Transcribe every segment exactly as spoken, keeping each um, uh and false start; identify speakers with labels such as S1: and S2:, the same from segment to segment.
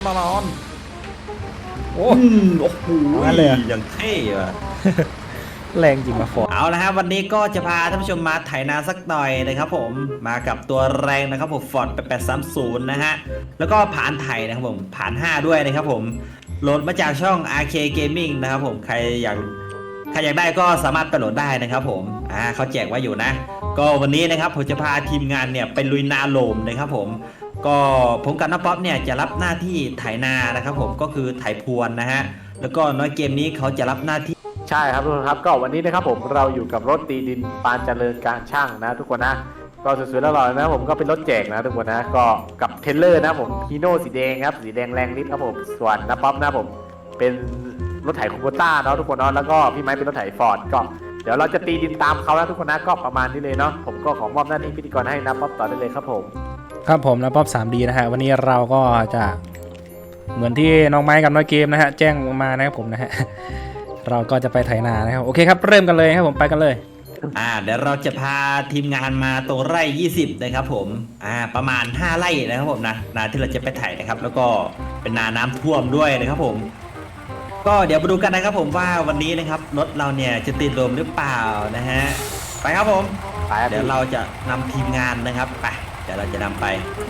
S1: มานอน
S2: โอ้
S1: โอ้โห
S2: งั้นเลย
S1: อย่างเท่อะ
S2: แรงจริงมาฟอร์ด
S1: เอาละครับวันนี้ก็จะพาท่านผู้ชมมาไถนาสักหน่อยนะครับผมมากับตัวแรงนะครับผมฟอร์ดแปดสามศูนย์นะฮะแล้วก็ผ่านไถนะครับผมผ่านห้าด้วยนะครับผมโหลดมาจากช่อง อาร์ เค Gaming นะครับผมใครอยากใครอยากได้ก็สามารถไปโหลดได้นะครับผมอ่าเขาแจกไว้อยู่นะก็วันนี้นะครับผมจะพาทีมงานเนี่ยไปลุยนาโลมนะครับผมก็ผมกับน้าป๊อปเนี่ยจะรับหน้าที่ไถนานะครับผมก็คือไถพรวนนะฮะแล้วก็น้อยเกมนี้เขาจะรับหน้าที่
S3: ใช่ครับทุกคนครับก็วันนี้นะครับผมเราอยู่กับรถตีดินปานเจริญการช่างนะทุกคนนะก็สวยๆแล้วหล่อนะผมก็เป็นรถแจกนะทุกคนนะก็กับเทรลเลอร์นะผมฮีโน่สีแดงครับสีแดงแรงนิดครับผมส่วนนะป๊อปนะผมเป็นรถไถคูโบต้าเนาะทุกคนเนาะแล้วก็พี่ไม้เป็นรถไถฟอร์ดก็เดี๋ยวเราจะตีดินตามเขาแล้วทุกคนนะก็ประมาณนี้เลยเนาะผมก็ขอมอบหน้าที่พิธีกรให้นะป๊อปต่อได้เลยครับผม
S2: ครับผมนะป๊อป ทรี ดี นะฮะวันนี้เราก็จะเหมือนที่น้องไม้กับน้อยเกมนะฮะแจ้งมานะครับผมนะฮะเราก็จะไปไถนานะครับโอเคครับเริ่มกันเลยครับผมไปกันเลย
S1: อ่าเดี๋ยวเราจะพาทีมงานมาตรงไร่ยี่สิบนะครับผมอ่าประมาณห้าไร่นะครับผมนะนาที่เราจะไปไถนะครับแล้วก็เป็นนาน้ำท่วมด้วยนะครับผมก็เดี๋ยวมาดูกันนะครับผมว่าวันนี้นะครับรถเราเนี่ยจะติดลมหรือเปล่านะฮะไปครับผมเดี๋ยวเราจะนำทีมงานนะครับไปเดี๋ยวเราจะนำไป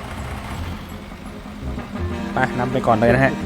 S2: ไปนำไปก่อนเลยนะฮะ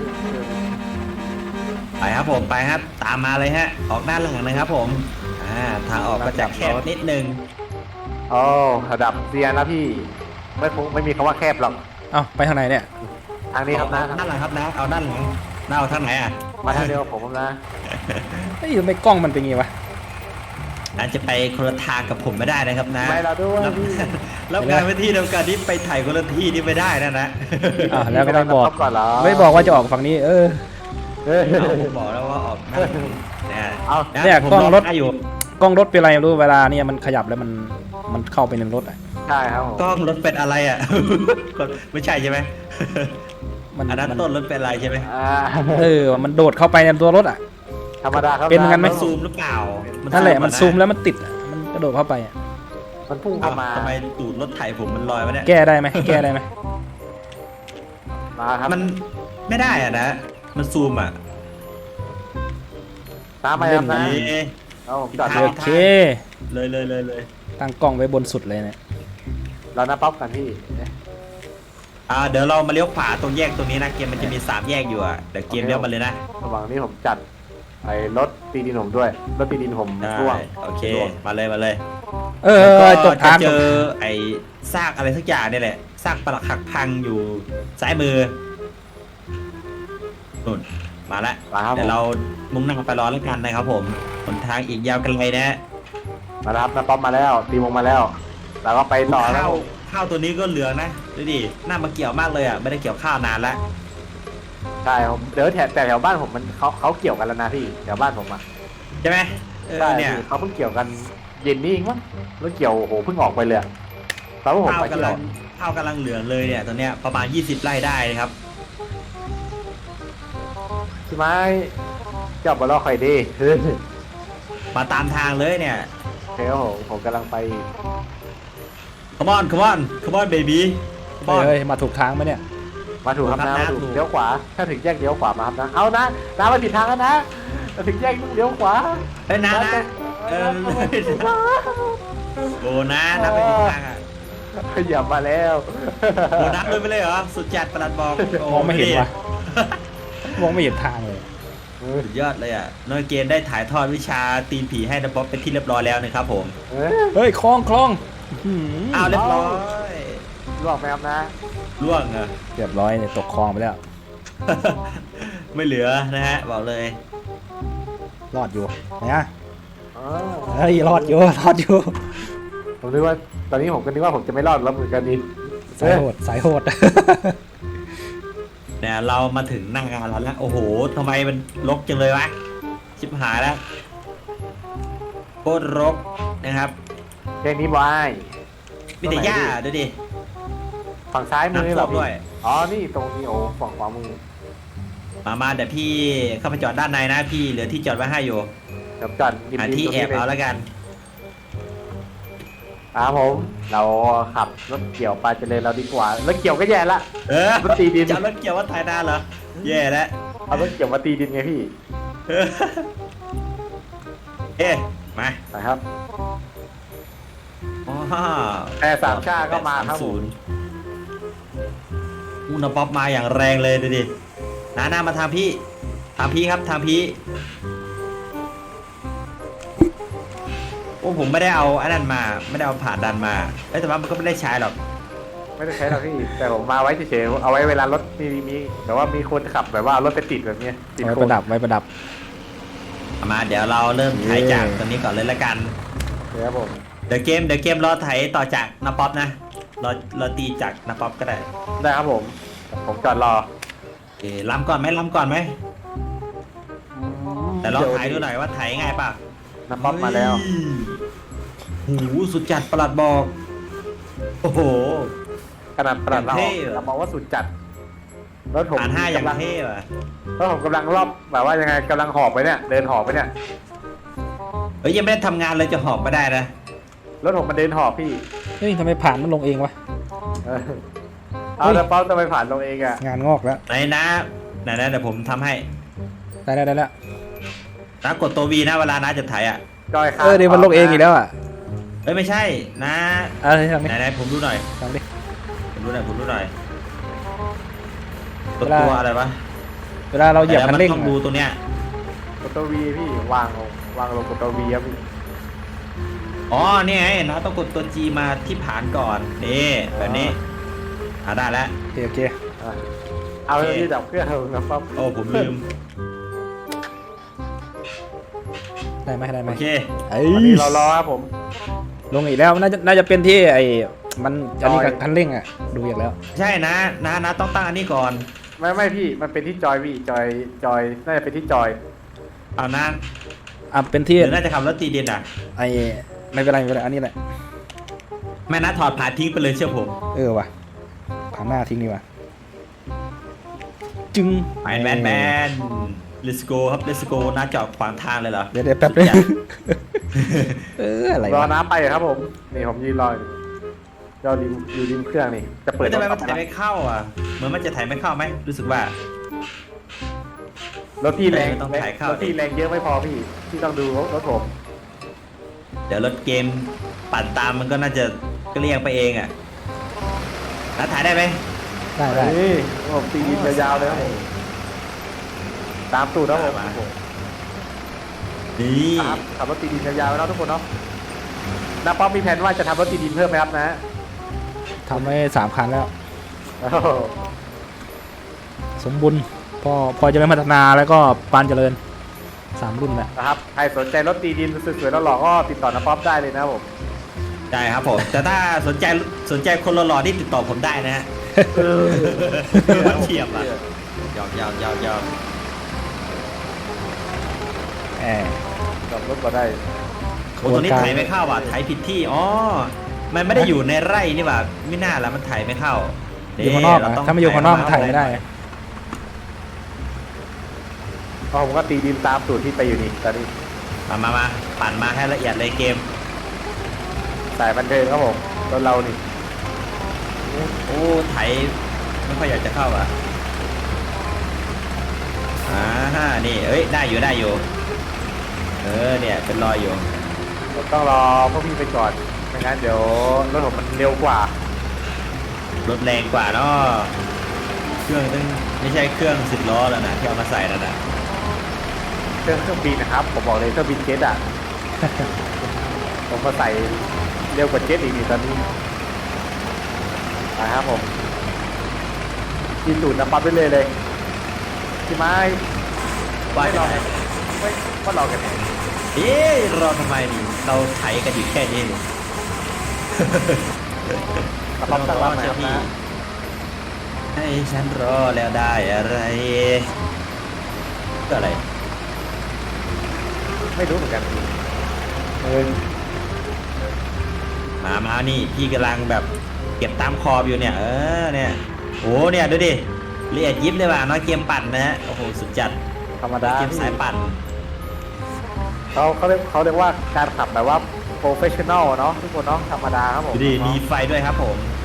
S1: ไปครับผมไปครับตามมาเลยฮะออกด้านหลังนะครับผมอ่าทางออกก็จะแคบนิดนึง
S3: โอ้ระดับเซียนแล้วพี่ไม่ไม่มีคำว่าแคบหรอก
S2: เอ้าไปทางไหนเนี่ย
S3: ทางนี้ครับนะ
S1: ด้านหลังครับนะเอาด้านหลังน้าเอาทางไหนอ่ะ
S3: มาทางเดียวผมนะ
S2: เฮ้ยทำไมกล้องมันเป็นงี้วะ
S1: อาจจะไปคนละทางกับผมไม่ได้นะครับนะ
S3: ไม่เราด้วย
S1: แล้วงานไปที่ทำการที่ไปถ่ายคนละที่นี่ไม่ได้นะนะ
S2: อ่าแล้วก็ไม่บอกไม่บอกว่าจะออกฝั่งนี้เออ
S1: ผมบอกแล้วว่าออกนั่นเนี่ย
S2: เอาเนี่ยกล้องรถอยู่กล้องรถเป็นอะไรไม่รู้เวลาเนี่ยมันขยับแล้วมันมันเข้าไปในรถอ่ะ
S3: ใช่ครับ
S1: กล้องรถเป็นอะไรอ่ะไม่ใช่ใช่ไหมอันนั้นต้นรถเป็นอะไรใช่ไหม
S2: เออมันโดดเข้าไปในตัวรถอ่ะ
S3: ธรรมดาครับ
S2: เป็นกันไหม
S1: ซูมหรือเปล่า
S2: นั่นแหละมันซูมแล้วมันติดมันกระโดดเข้าไปอ่ะ
S3: มันพุ่งเข้ามา
S1: ทำไมตูดรถไถผมมันลอยมาเนี่ย
S2: แก้ได้ไหมแก้ได้ไหม
S3: มาครับ
S1: มันไม่ได้อ่ะนะมันซูมอ่ะ
S3: ตามมาครับนะเอาผมจอด
S2: โอเค
S1: เลยเลยเลยเลย
S2: ตั้งกล้องไว้บนสุดเลยเนี่ย
S3: เรานับป๊อปกันพี่
S1: อ่าเดี๋ยวเรามาเลี้ยวขวาตรงแยกตรงนี้นะเกมมันจะมีสามแยกอยู่อ่ะเดี๋ยวเกมเลี้ยวมาเลยนะ
S3: ระหว่างนี้ผมจัดไอ้รถตีดินผมด้วยรถตีดินผมร่วง
S1: โอเคมาเลยมาเลย
S2: เออจบทาง
S1: เจอไอ้ซากอะไรสักอย่างนี่แหละซากปลักหักพังอยู่ซ้ายมือนุ่นมาแล้วเดี๋ยวเรามุ่งหน้าไปรอแล้วกันนะครับผมหนทางอีกยาวไกลนะ
S3: มาครับนะป๊อปมาแล้วตีวงมาแล้วแล้วก็ไปต่อแล้ว
S1: ข้าวตัวนี้ก็เหลืองนะดูดิหน้ามาเกี่ยวมากเลยอ่ะไม่ได้เกี่ยวข้าวนานแล้ว
S3: ใช่ผมเดี๋ยวแถวแต่แถวบ้านผมมันเขาเขาเกี่ยวกันแล้วนะพี่แถวบ้านผมอ่ะ
S1: ใช่ไหม
S3: ใช่เนี่ยเขาเพิ่งเกี่ยวกันเย็นนี้เองมั้งแล้วเกี่ยวโอ้โหเพิ่งออกไปเลยตอนผมไป
S1: กำลังข้าวกำลังเหลืองเลยเนี่ยตอนเนี้ยประมาณยี่สิบไร่ได้ครับ
S3: ใช่ไหมเจ้าบอลล์คอยดี
S1: มาตามทางเลยเนี่ย
S3: เฮ้ยผมผมกำลังไป
S1: come on come on come on baby
S2: เฮ้ยมาถูกทางไหมเนี่ย
S3: มาถูกครับนะมาถูกเลี้ยวขวาถ้าถึงแยกเลี้ยวขวามาครับนะเอานะน้ำมาผิดทางแล้วนะถึงแยกเลี้ยวขวา
S1: เฮ้ยน้านะเออโบนะน้าไปผิดทางอ่ะ
S3: ขยับมาแล้ว
S1: โบนัสเลยไปเลยเหรอสุดจัดประหลัดบอก
S2: มองไม่เห็นวะมองไม่เห็นทางเลย
S1: สุดยอดเลยอ่ะน้อยเกณฑ์ได้ถ่ายทอดวิชาตีนผีให้นะป๊อปเป็นที่เรียบร้อยแล้วนะครับผม
S2: เฮ้ยคลองคลอง
S1: อ้าวเรียบร้อย
S3: ล่วงไหมครับนะ
S1: ล่วงอ่ะ
S2: เรียบร้อยเนี่ยตกคลองไปแล้ว
S1: ไม่เหลือนะฮะบอกเลย
S2: รอดอยู่นะเฮ้ยรอดอยู่รอดอยู่
S3: ผมนึกว่าตอนนี้ผมก็นึกว่าผมจะไม่รอดแล้วเหมือนกันดิ
S2: สายโหดสายโหด
S1: เนี่ยเรามาถึงหน้างานแล้วนะโอ้โหทำไมมันรกจังเลยวะชิบหายแล้วโคตรรกนะครับ
S3: แค่นี้บาย
S1: มีแต่หญ้าดูดิ
S3: ฝั่งซ้ายมือนี่หรอ
S1: ด้วย
S3: อ๋อนี่ตรงนี้โอ้ฝั่งขวามือ
S1: มามาเดี๋ยวพี่เข้าไปจอดด้านในนะพี่เหลือที่จอดไว้ให้อยู่
S3: เดี๋ยวจอด
S1: หาที่แอบเอาแล้วกัน
S3: ครับผมเราขับรถเกี่ยวปลาเจริญเราดีกว่ารถเกี่ยวก็แย่ละ
S1: เออ
S3: รถตีดิน
S1: จะเอารถเกี่ยวว่าไถนาเหรอแย่แล้ว
S3: เอารถเกี่ยวมาตีดินไงพี่
S1: เออเอ๊ะมา
S3: นะครับ
S1: อ๋อ
S3: แต่สามชาติก็มาครับผม
S1: อุณป๊อปมาอย่างแรงเลยดูดินาหน้ามาทางพี่ทางพี่ครับทางพี่โอ้ผมไม่ได้เอาอันนั้นมาไม่ได้เอาผ่านดันมาเอ้ยแต่ว่ามันก็ไม่ได้ใช้หรอก
S3: ไม่ได้ใช้หรอกพี่ แต่ผมมาไว้เฉยๆเอาไว้เวลารถมีมีแต่ว่ามีคนขับแบบว่ารถไปติดแบบเนี้ยติด
S2: ไว้
S3: โค
S2: ป
S3: น
S2: ระดับไว้ประดับ
S1: เอามาเดี๋ยวเราเริ่มไถ
S2: เย้
S1: จากตัวนี้ก่อนเลยละกัน
S3: ครับผม
S1: เดี๋ยวเกมเดี๋ยวเกมรอไถต่อจากนาป๊อปนะรอรอตีจากนาป๊อปก็ได้
S3: ได้ครับผม ผมจอดรอ
S1: เอ๊ะล้ำก่อนไหมล้ำก่อนไหมแต่ลองไถดูหน่อยว่าไถง่ายป่ะ
S3: น้ำป๊อปมาแล้ว
S1: หูสุดจัดประหลัดบอกโอ้โห
S3: ขนาดประหลัดเรา
S1: เท่อะ
S3: เราบอกว่าสุดจัดรถผม
S1: ผ่านห้าอย่าง
S3: กำลัง
S1: เท่ว่ะ
S3: รถผมกำลังรอบแบบว่ายังไงกำลังหอบไปเนี่ยเดินหอบไปเนี่ย
S1: เฮ้ยยังไม่ได้ทำงานเลยจะหอบไม่ได้นะ
S3: รถผมมันเดินหอบพี่
S2: เฮ้ยทำไมผ่านมันลงเองวะ
S3: เออเอาแต่เป้าจะไปผ่านลงเองอะ
S2: งานงอกแล้ว
S1: ไหนนะไหนนะเดี๋ยวผมทำให้
S2: ได้ได้ได้แล้ว
S1: นะกดตัววีนะเวลานะจะไถอ่ะ
S3: จอยค้าง
S2: เออเดี๋ยวมันลงเองอีกแล้วอ่ะ
S1: เอ้ยไม่ใช่นะ
S2: อะไรทำ
S1: ไหน
S2: นี่
S1: ไหนผมดูหน่อย
S2: ทำดิ
S1: ผมดูหน่อยผมดูหน่อยตัว
S2: เวลา
S1: ตัวอะไรวะ
S2: เวลาเราเหยียบคันเร่ง
S1: ดี๋ยวมัต้องดู
S2: อะ
S1: ตัวเนี้ย
S3: กดตัววีพี่วางลงวางลงกดตัววีครับพี่
S1: อ๋อนี่ไงนะต้องกดตัว G มาที่ฐานก่อนนี่แบบนี้อ่าได้แล้ว
S2: โอเคโอเค
S3: อ่ะเอาเรื่องที่ดับเครื่องนะป๊อป
S1: โอ้ผมลืม
S2: ได้ไหมได้ไหม
S1: โอเค
S2: ไอ้
S3: วันนี้เรารอครับผม
S2: ลงอีกแล้วน่าจะน่าจะเป็นที่ไอ้มันอันนี้กับ
S3: จอย
S2: คันเร่งอ่ะดูอย่างแล้ว
S1: ใช่นะนะนะต้องตั้งอันนี้ก่อน
S3: ไม่ไม่พี่มันเป็นที่จอยพี่จอยจอยน่าจะเป็นที่จอย
S1: เอานะ
S2: อ่ะเป็นที่
S1: หรือน่าจะขับรถตีดินอ่ะ
S2: ไอ้ไม่เป็นไรไม่เป็นไรอันนี้แหละ
S1: แม่นะถอดผ่านทิ้งไปเลยเชื่อผม
S2: เออว่ะผ่านหน้าทิ้งดีกว่าจึง
S1: ไปแมนแมน let's go ครับ let's go นะจอดขวางทางเลยเหรอ
S2: เดี๋ยวเดี๋ยวแป๊บนึง
S1: สุดจัด
S2: เอออะไร
S3: รอ
S2: วะ
S3: น้ำไปครับผมนี่ผมยืนรออยู่รอริมอยู่ริมเครื่องนี่จะเปิ
S1: เฮ้
S3: ด
S1: ยทำไม
S3: ร
S1: มัน
S3: ถ
S1: ถ่ายไม่เข้าอ่ะเหมือนมันจะถ่ายไม่เข้าไหมรู้สึกว่า
S3: รถที่แรง
S1: ต้องถ่ายเข้า
S3: รถที่แรงเยอะไม่พอพี่ที่ต้องดูรถผม
S1: เดี๋ยวรถเกมปั่นตามมันก็น่าจะเกลี้ยงไปเองอ่ะแล้วถ่ายได้ไหม
S2: ได้ได้
S3: นี่ผมตีดินยาวๆเลยครับผมตามตูดครับผม
S1: มา นี่
S3: ครับขับรถตีดินยาวๆแล้วทุกคนเนาะน้าป๊อปมีแผนว่าจะทำรถตีดินเพิ่มไหมครับนะ
S2: ทำไว้สามคันแล้ว
S3: โอ้โห
S2: สมบูรณ์พอพอจะไม่พัฒนาแล้วก็ปานเจริญสามรุ่นแหละ
S3: นะครับใครสนใจรถตีดินสวยๆแล้วหล่อๆก็ติดต่อน้าป๊อปได้เลยนะครับผม
S1: ได้ครับผมแต่ถ้าสนใจสนใจคนหล่อๆที่ติดต่อผมได้นะฮะมันเทียบอ่ะยอมยอมยอมยอม
S2: แอบ
S3: จอดรถก็ได้
S1: โอ้ตัวนี้ถ่ายไม่เข้าอ่ะถ่ายผิดที่อ๋อมันไม่ได้อยู่ในไร่นี่หว่าไม่น่าละมันถ่ายไม่เข้า
S2: อยู่ข้างนอก
S1: เร
S2: อะ
S1: ต้ง
S2: ถ้าไม่อยู่ข้างนอกมันถ่ายไม่ได้
S3: ก็ผมก็ตีดินตามตูดที่ไปอยู่นี่ตอนนี้
S1: มามามาปั่นมาให้ละเอียดเลยเกม
S3: สายบันเทิงครับผมรถเรานี่
S1: โอ้ไถไม่ค่อยอยากจะเข้าอ่ะอ่าฮะนี่เอ้ยได้อยู่ได้อยู่เออเนี่ยเป็นรอยอยู่
S3: ต้องรอพวกพี่ไปก่อนไม่งั้นเดี๋ยวรถผมมันเร็วกว่าร
S1: ถแรงกว่าเนาะเครื่องตั้งไม่ใช่เครื่องสิบล้อแล้วนะที่เอามาใส่นั่นนะ
S3: เครื่องเครื่องบินนะครับผมบอกเลยเครื่องบินเจ็ตอ่ะ ผมมาใส่เร็วกว่าเจ็ตอีกนี่ตอนนี้นะครับผมกินตูดน้ำปั๊บไปเลยเลยพี่ไม้
S1: ว่า
S3: ไม่
S1: จะ
S3: รอ
S1: ไหน
S3: ไม่ว่ารอกันเนี่ย
S1: เอ๊ะรอทำไมนี่เราไถกันอยู่แค่นี้นี่
S3: น้ำปั๊บตั้งรับไหมครับนะ
S1: ให้ฉันรอแล้วได้อะไรก็อะไร
S3: ไม่รู้เหมือนกันเออ
S1: มามานี่พี่กำลังแบบเก็บตามคอบอยู่เนี่ย เออเนี่ยโอ้เนี่ยดูดิละเอียดยิบเลยว่ะน้อยเกมปั่นนะฮะโอ้โหสุดจัด
S3: ธรรมดา
S1: เกมสายปั่น
S3: เขาเขาเรียกเขาเรียกว่าการขับแบบว่าโปรเฟชชั่นอลเนาะทุกคนเนาะธรรมดาครับผม
S1: ดูดิมีไฟด้วยครับผมแหม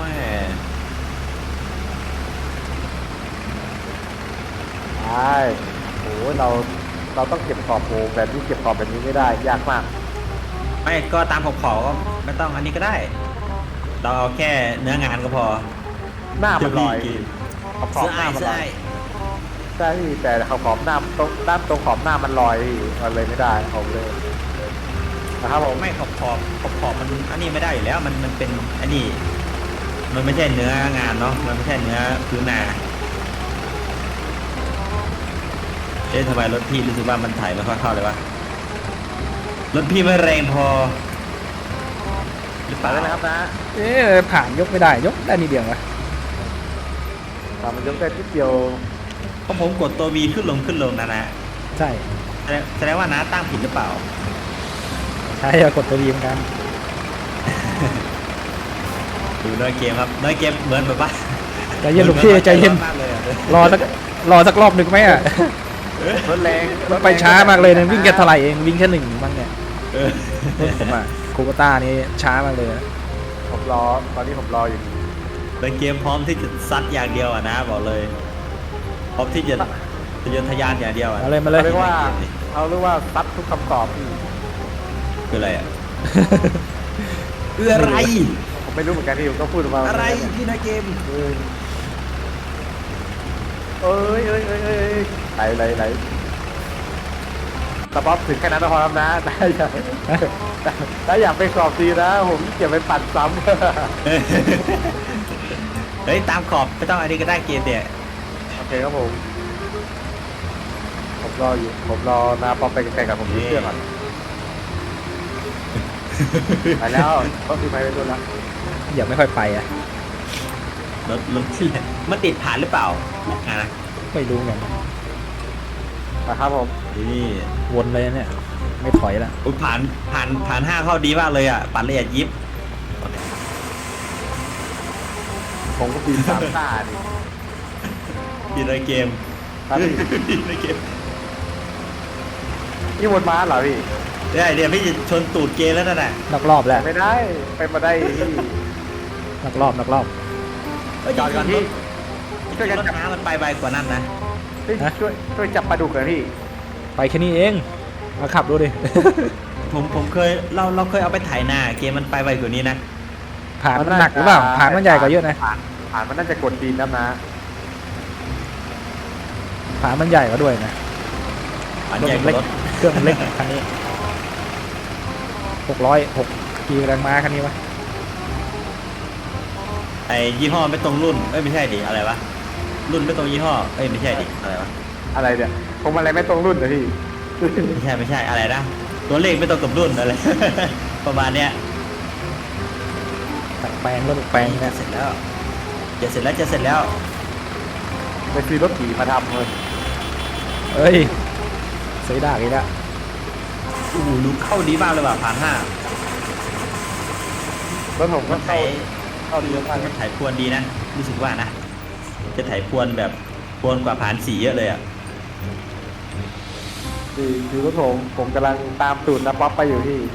S3: ใช่โอ้ยเราเราต้องเก็บขอบโปรแบบนี้เก็บขอบแบบนี้ไม่ได้ยากมาก
S1: ไม่ก็ตามขอบขอบก็ไม่ต้องอันนี้ก็ได้ เราเอาแค่เนื้องานก็พอ
S3: หน้ามันลอย
S1: เดี๋วพี่กิน
S3: ขอบขอ
S1: เสื้
S3: บ
S1: อ
S3: ห
S1: ไอ้
S3: น้ามัน
S1: เสื้
S3: ล
S1: อ
S3: อย
S1: ไอ้
S3: ใช่พี่แต่ขอบขอบหน้าตรงด้านตรงขอบหน้ามันลอยพี่มันเลยไม่ได้ผมเลยนะครับผม
S1: ไม่ขอบขอบขอบขอบมันอันนี้ไม่ได้อยู่แล้วมันมันเป็นอันนี้ มันไม่ใช่เนื้องานเนาะมันไม่ใช่เนื้อพื้นนาเอ๊ะทำไมรถพี่รู้สึกว่ามันถ่ายไม่ค่อยเข้าเลยวะรถพี่ไม่แรงพอหรือเป
S3: มา
S1: ล่า
S3: ได้นะครับนะ
S2: เอ๊ะผ่านยกไม่ได้ยกได้นิดเดียววะ
S3: ตามมันยกได้ทีเดียว
S1: เพราะผมกดตัว V ขึ้นลงขึ้นลงนะนะ
S2: ใช่
S1: แสดงแสดงว่านะตั้งผิดหรือเปล่า
S2: ใช่กดตัวดีเหมือนกัน
S1: ดูน้อยเกมครับน้อยเกมเหมือนแบบว่า
S2: ใจเย็นหลวงพี่ใจเย็น
S1: มากเลยอะ
S2: รอสักรอสักรอบหนึ่งไหมอ่ะ
S3: รถแรง
S2: มันไปช้ามากเลยนะวิ่งแค่เท่าไหร่เองวิ่งแค่หนึ่งบ้างเนี่ย
S1: เออ
S2: ผมอ่ะโคโกต้านี่ช้ามากเลยนะ
S3: ผมรอตอนนี้ผมรออยู่
S1: น้อยเกมพร้อมที่จะซัดอย่างเดียวอ่ะนะบอกเลยพร้อมที่จะทะยานทะยานอย่างเดียวอ่ะ
S2: มาเลยมาเลย
S3: เขาเรียกว่าเขาเรียกว่าซัดทุกคำตอบพี่
S1: คืออะไรอ่ะ เอออะไร
S3: ผมไม่รู้เหมือนกันที่ผมก็พูดมา
S1: อะไรพี่น้อยเกม
S3: เอ้ยเอ้ยเอ้ยเอ้ยเอ้ยไหลไหลไหลสป๊อปถึงแค่นั้นก็พอแล้วนะได้อยากได้อยากไปสอบดีนะ ผมเก็บไปปั่นซ้ำ
S1: เฮ้ยตามขอบไม่ต้องอันนี้ก็ได้เกมเนี่ย
S3: โอเคครับผม ผมรออยู่ ผมรอนาป๊อปไปไกลๆกับผมที่เครื่องก่อนไปแล้วต้องซื้อไปไปด้วยละ
S2: อย่าไม่ค่อยไปอ่ะ
S1: รถรถที่ไหนมันติดผ่านหรือเปล่าอ่ะนะ
S2: ไม่รู้เหมือนกัน
S3: นะครับผม
S1: นี่
S2: วนเลยเนี่ยไม่ถอยละ
S1: อุ๊ยผ่านผ่านผ่านห้าเข้าดีมากเลยอ่ะปั่นละเอียดยิบ
S3: ผมก็ปีนสามตาดิ
S1: พี่น้อยเกม
S3: ครับพี่
S1: พี่น้อยเกม
S3: นี่วนมาเหรอพี่
S1: ได้เดี๋ยวพี่จะชนตูดเกมแล้วนั่นน่ะ
S2: นอกรอบแล้ว
S3: ไม่ได้ไปมาได้พี่
S2: นอกรอบนอกรอบ
S3: จอดก่อนพี่
S1: ช่วยกันจับน้ำมันไปไวกว่านั้นนะ
S3: เฮ้ยช่วยช่วยจับปลาดุกหน่อยพี่
S2: ไปแค่นี้เองมาขับดูดิ
S1: ผมผมเคยเราเราเคยเอาไปถ่ายหน้าเกมมันไปไวกว่านี้นะ
S2: ผ่านมันหนักหรือเปล่าผ่านมันใหญ่กว่าเยอะนะ
S3: ผ่านผ่านมันน่าจะกดดินนะนะ
S2: ผ่านมันใหญ่กว่าด้วยนะ
S1: อัน
S2: รถ
S1: ใหญ่
S2: มัน
S1: ก
S2: เล็
S1: ว่าก รถ
S2: เครื่องมันเล็กคันนี้หกร้อยหกกีแรงม้าคันนี้วะ
S1: ไอ้ยี่ห้อไม่ตรงรุ่นเอ้ยไม่ใช่ดิอะไรวะรุ่นไม่ตรงยี่ห้อเอ้ยไม่ใช่ดิอะไรวะ
S3: อะไรเนี่ยผมอะไรไม่ตรงรุ่นนะพี่
S1: ไม่ใช่ไม่ใช่อะไรนะตัวเลขไม่ตรงกับรุ่นอะไร ประมาณเนี้ย
S2: แต่งแปลงรถแปลง
S1: จะ
S2: เนี่ย
S1: เสร็จแล้วจะเสร็จแล้วจะเสร็จแล้ว
S3: ไปซื้อรถขี่มาทำเลย
S2: เอ้ยเสียดายอีกแล้ว
S1: อู้หูลูกเข้าดีมากเลยว่ะผ่านห้าร
S3: ถผมก็
S1: มันไถ
S3: เข้าเข้าดีมาก
S1: มันไถพรวนดีนะรู้สึกว่านะจะไถพรวนแบบพรวนกว่าผ่านสี่เยอะเลยอ่ะ
S3: คือคือรถผมผมกำลังตามตูดนะป๊อปไปอยู่ที่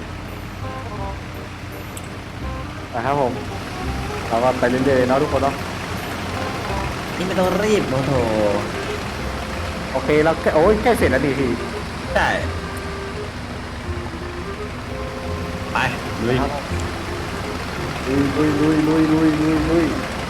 S3: นะครับผมเราก็ไปเรื่อยๆเนาะทุกคนเนาะ
S1: นี่ไม่ต้องรีบโมโถ
S3: โอเคเราแค่โอ้ยใกล้เสร็จแล้วดีพี่
S1: ได้ไปลุย
S3: ครับลุยลุยลุยลุยลุยลุยลุย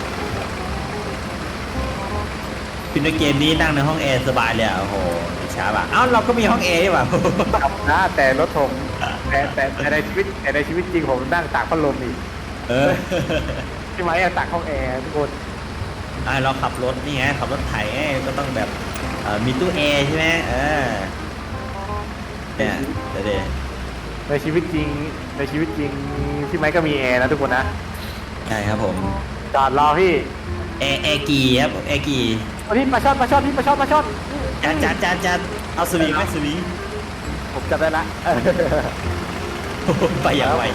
S1: พินเกมนี้นั่งในห้องแอร์สบายเลยอ่ะโอ้โหช้าป่ะเอ้าเราก็มีห้องแอร์ดีกว่า
S3: ครับนะแต่รถผมแต่แต่แต่ในชีวิตแต่ในชีวิตจริงผมนั่งตากพัดลมนี่
S1: เออ
S3: ใช่ไหมอะตากห้องแอร์ทุกคน
S1: อ่ะเราขับรถนี่ไงขับรถไถไงก็ต้องแบบเอ่อมีตู้แอร์ใช่ไหมเออเนี่ยเดี๋ยวเดี๋ยว
S3: ในชีวิตจริงในชีวิตจริงพี่ไม้ก็มีแอร์นะทุกคนนะ
S1: ใช่ครับผม
S3: จอดรอพี่
S1: แอร์แอร์กีครับแอร์กี
S3: วันนี้ปลาช่อนปลาช่อนพี่ปลาช่อนปลาช่อน
S1: จัดจัดจัดจัดเอาสวิงไหมสวิง
S3: ผมจับได้ละ
S1: โอ้โหไปอย่างไว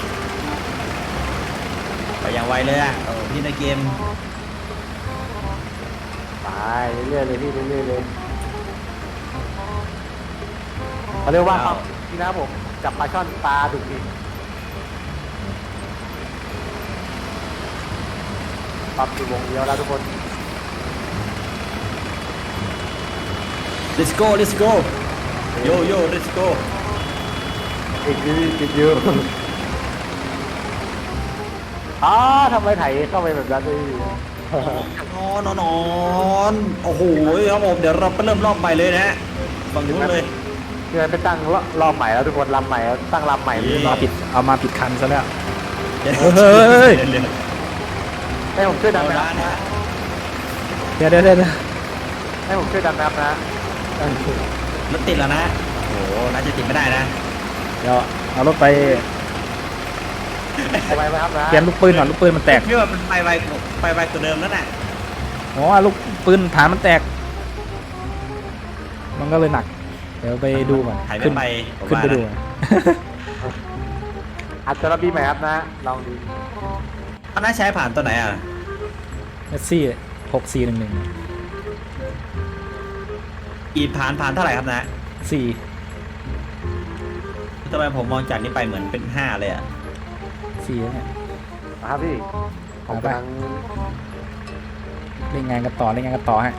S1: ไปอย่างไวเลยอ่ะโอ้พี่ในเกม
S3: ไปเรื่อยๆเลยพี่เรื่อยๆเลยเขาเรียกว่าครับนี่นะผมจับปลาช่อนปลาดุกดิปรับอยู่วงเดียวแล้วทุกคน
S1: let's go let's go yo yo let's go
S3: อีกทีติดอยู่อ้าทำไมไถเข้าไปแบบนั้นดิ
S1: นอนนอนนอนโอ้โหครับผมเดี๋ยวเราไปเริ่มรอบใหม่เลยนะฮะฝั่งนู้นเลย
S3: คือมันไปตั้งรอบใหม่แล้วทุกคนลำใหม่แล้วตั้งลำใหม่เลย
S2: เอาผิดเอามาผิดคันซะแล้ว
S1: เฮ้
S2: เฮ้ย
S3: ให้ผมช่วย
S1: เอา
S3: ดำ
S1: ละ
S3: น้ำ
S1: นะ
S3: นะ
S2: เดี๋ยวเดี๋ยวเดี๋ยว
S3: ให้ผมช่วยดำน้ำนะ
S1: รถติดแล้วนะโอ้โหน่าจะติดไม่ได้นะ
S2: เดี๋ยวเอารถไป
S3: ไปไหมครับนะ
S2: เปลี่ยนลูกปืนก่อนลูกปืนมันแตก
S1: พี่ว่ามันไปไวไปไวกว่าเดิมแล้วน่ะ
S2: อ๋อลูกปืนฐานมันแตก มันก็เลยหนัก เดี๋ยวไปดูก่อน
S1: ถ่าย
S2: ขึ้
S1: ไม่
S2: น
S1: ไปผม
S2: ขึ้น
S1: ว่า
S2: ไปดู
S1: นะ
S3: อัดจะรับบีใหม่ครับนะลองดู
S1: เขาน่าใช้ผ่านตัวไหนอ่ะ
S2: เมสซี่หกสี่หนึ่งหนึ่ง
S1: อีผ่านผ่านเท่าไหร่ครับนะ
S2: สี่
S1: ทำไมผมมองจากนี้ไปเหมือนเป็นห้าเลยอ่ะ
S2: สี่เนี่ย
S3: นะครับพี่ผมกำลัง
S2: เล่นงานกันต่อเล่นงานกันต่อฮะ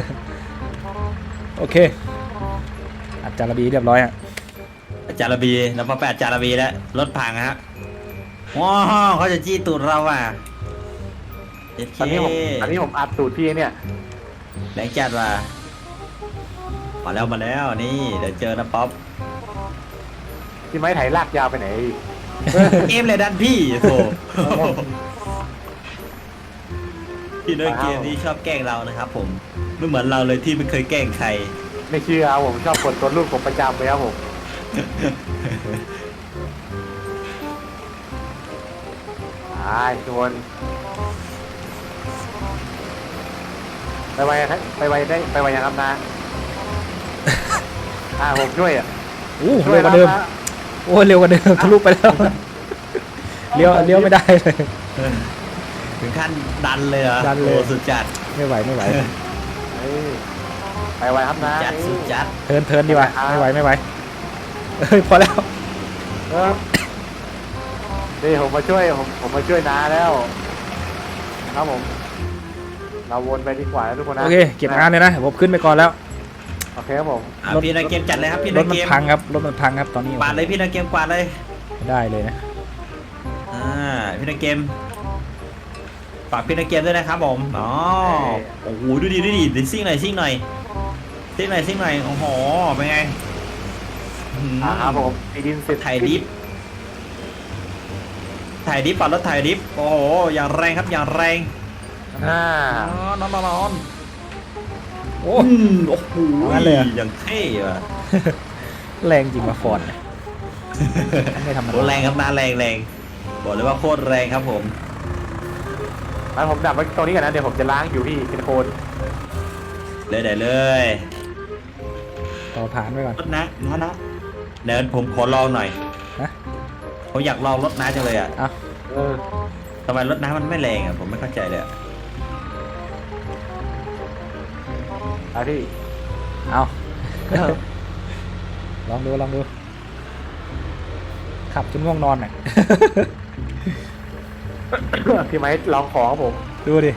S2: โอเคอัดจารบีเรียบร้อยฮะ
S1: อาจารย์บีแล้วพอไปอาจารย์บีแล้วรถพังฮะว้าวเขาจะจี้ตูดเราอ่ะเอเค
S3: ตอนนี้ผมตอนนี้ผมอัดตูดพี่เนี่ย
S1: แรงจัดว่ะมาแล้วมาแล้วนี่เดี๋ยวเจอนะป๊อป
S3: พี่ไม้ไถลากยาวไปไหน
S1: เกมเลยดันพี่โถพี่น้อยเกมนี้ชอบแกล้งเรานะครับผมไม่เหมือนเราเลยที่ไม่เคยแกล้งใคร
S3: ไม่เชื่อครับผมชอบกดตัวลูกผมประจำเลยครับผมไอ้ทุกคนไปไวครับไปไวได้ไปไวยังครับนะอ่าผมช่วยอ่ะ
S2: โอ้
S3: ช่ว
S2: เร็
S3: ยว
S2: กว่าเดิม
S3: นะ
S2: โอ้เร็วกว่าเดิมทะลุไปแล้วเลี้ยวเลี้ยวไม่ได้เลย
S1: ถึงขั้นดันเลยเหรอ
S2: ดันเลย
S1: โอ้สุดจัด
S2: ไม่ไหวไม่ไหว
S3: เฮ้ยไปไวครับนะ
S1: จัดสุดจัด
S2: เทิร์นเทิร์นดีกว่าไม่ไหวไม่ไหวเฮ้ยพอแล้ว
S3: เออนี่ผมมาช่วยผมผมมาช่วยน้าแล้วครับผมเราวนไปดีกว่านะทุกคนนะ
S2: โอเคเก็บงานเลยนะผมขึ้นไปก่อนแล้ว
S3: โอเคครับผม
S1: อ่ะ
S2: รถ
S1: พี่นาเกมจัดเลยครับพี่
S2: ร
S1: นา
S2: ถมั
S1: เก
S2: น
S1: ม
S2: พังครับรถมันพังครับตอนนี้
S1: กวาดเลยพี่นาเกมกวาดเลย
S2: ไม่ได้เลยนะ
S1: อ่าพี่นาเกมฝากพี่นาเกมด้วยนะครับผมอ๋อโอ้โหดูดิดูดิดิซิ่งหน่อยซิ่งหน่อยซิ่งหน่อยซิ่งหน่อยโอ้โหเป็นไงอื้อหือ
S3: อ่าครับผมไอดินเสร็จ
S1: ถ่ายดิฟถ่ายดิฟปัดรถถ่ายดิฟโอ้โหอย่างแรงครับอย่างแรง
S3: อ่าน
S1: อนนอนนอน
S2: โอ้
S1: อืมโอ้โห
S2: งั้นเลยเหรอ
S1: อย่างเท่ว่ะ
S2: แรงจริงมาฟอร์ดไม่ธรรม
S1: โอ้
S2: ดา
S1: แรงครับนาแรงแรงบอกเลยว่าโคตรแรงครับผม
S3: งั้นผมดับไว้ตรงนี้ก่อนนะเดี๋ยวผมจะล้างอยู่พี่เป็นโคน
S1: เลยได้เลย
S2: ต่อผ่านไปก่อน
S1: รถนะนะนะเดี๋ยวผมขอลองหน่อย
S2: นะ
S1: ผมอยากลองรถน้าจังเลยอ่ะ
S2: เอา
S3: เออ
S1: ทำไมรถน้ามันไม่แรงอ่ะผมไม่เข้าใจเลยอะ
S3: เอาพี่
S2: เอาลองดูลองดูขับจนง่วงนอนน่ะ
S3: พี่ไม้ลองของครับผม
S2: ดูดิ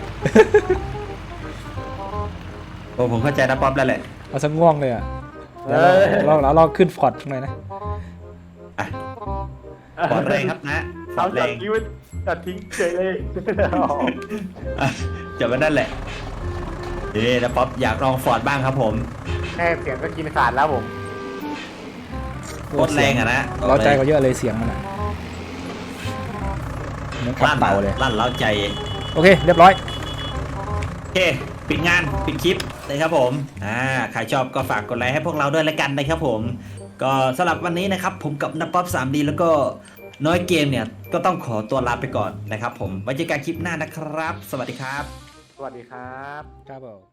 S1: โอ้ผมเข้าใจนะป๊อปแล้วแหละ
S2: เอาซะง่วงเลยอ่ะ
S3: เอ
S2: เดี๋ยว
S3: อ
S2: เราเราเราขึ้นฟอร์ดหน่อยนะ
S1: อ่ะปอดแรงครับนะปอ
S3: เอา
S1: ดแร
S3: จัด
S1: ง
S3: ทิ้งไว้จัดทิ้งเฉยเลย
S1: อ่ะจบไว้นั่นแหละเอ๊นะป๊อปอยากลองฟอร์ดบ้างครับผม
S3: แค่เสียงก็กินขาดแล้วผม
S1: โคตรแรงอ่ะนะ
S2: เราใจก็เยอะเลยเสียงมันอ่ะเหมือนขับ
S1: ลั่น
S2: เต่าเลย
S1: ลั่นเล้าใจ
S2: โอเค เรียบร้อย
S1: โอเคปิดงานปิดคลิปเลยครับผมอ่าใครชอบก็ฝากกดไลค์ให้พวกเราด้วยละกันนะครับผม ก็สำหรับวันนี้นะครับผมกับนับป๊อป ทรี ดี แล้วก็น้อยเกมเนี่ยก็ต้องขอตัวลาไปก่อนนะครับผมไว้เจอกันคลิปหน้านะครับ สวัสดีครับ
S3: สวัสดีครับ
S2: ครับผม